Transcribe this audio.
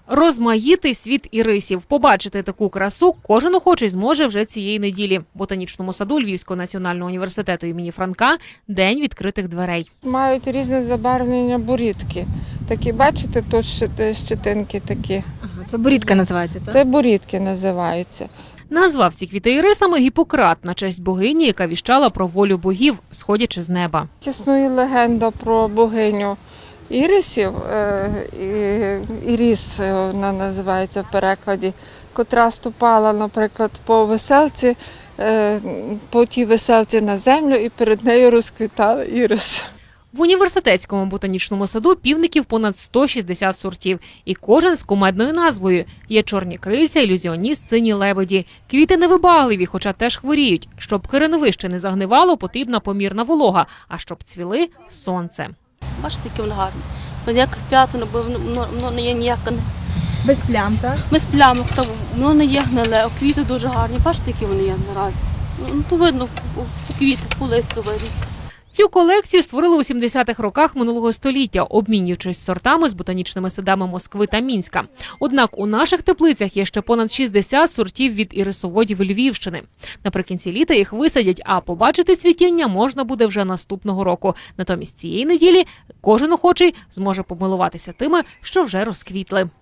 Розмаїтий світ ірисів. Побачити таку красу кожен охочий зможе вже цієї неділі. В Ботанічному саду Львівського національного університету імені Франка – день відкритих дверей. Мають різне забарвлення бурітки. Такі, бачите, тут щетинки такі. Ага, це борідка називається, так? Це бурітки називаються. Назвав ці квіти ірисами Гіппократ на честь богині, яка віщала про волю богів, сходячи з неба. Існує легенда про богиню ірисів, Іріс вона називається в перекладі, котра ступала, наприклад, по веселці, по тій веселці на землю і перед нею розквітали ірис. В університетському ботанічному саду півників понад 160 сортів. І кожен з кумедною назвою. Є чорні крильця, ілюзіоніст, сині лебеді. Квіти невибагливі, хоча теж хворіють. Щоб кореновище не загнивало, потрібна помірна волога. А щоб цвіли – сонце. Бачите, які вони гарні. Ніяких п'яток, воно не є ніяке. Без плям, так? Без плямок, воно не є гниле, а квіти дуже гарні. Бачите, які вони є наразі. Ну, то видно, квіти по листю видно. Цю колекцію створили у 70-х роках минулого століття, обмінюючись сортами з ботанічними садами Москви та Мінська. Однак у наших теплицях є ще понад 60 сортів від ірисоводів Львівщини. Наприкінці літа їх висадять, а побачити цвітіння можна буде вже наступного року. Натомість цієї неділі кожен охочий зможе помилуватися тими, що вже розквітли.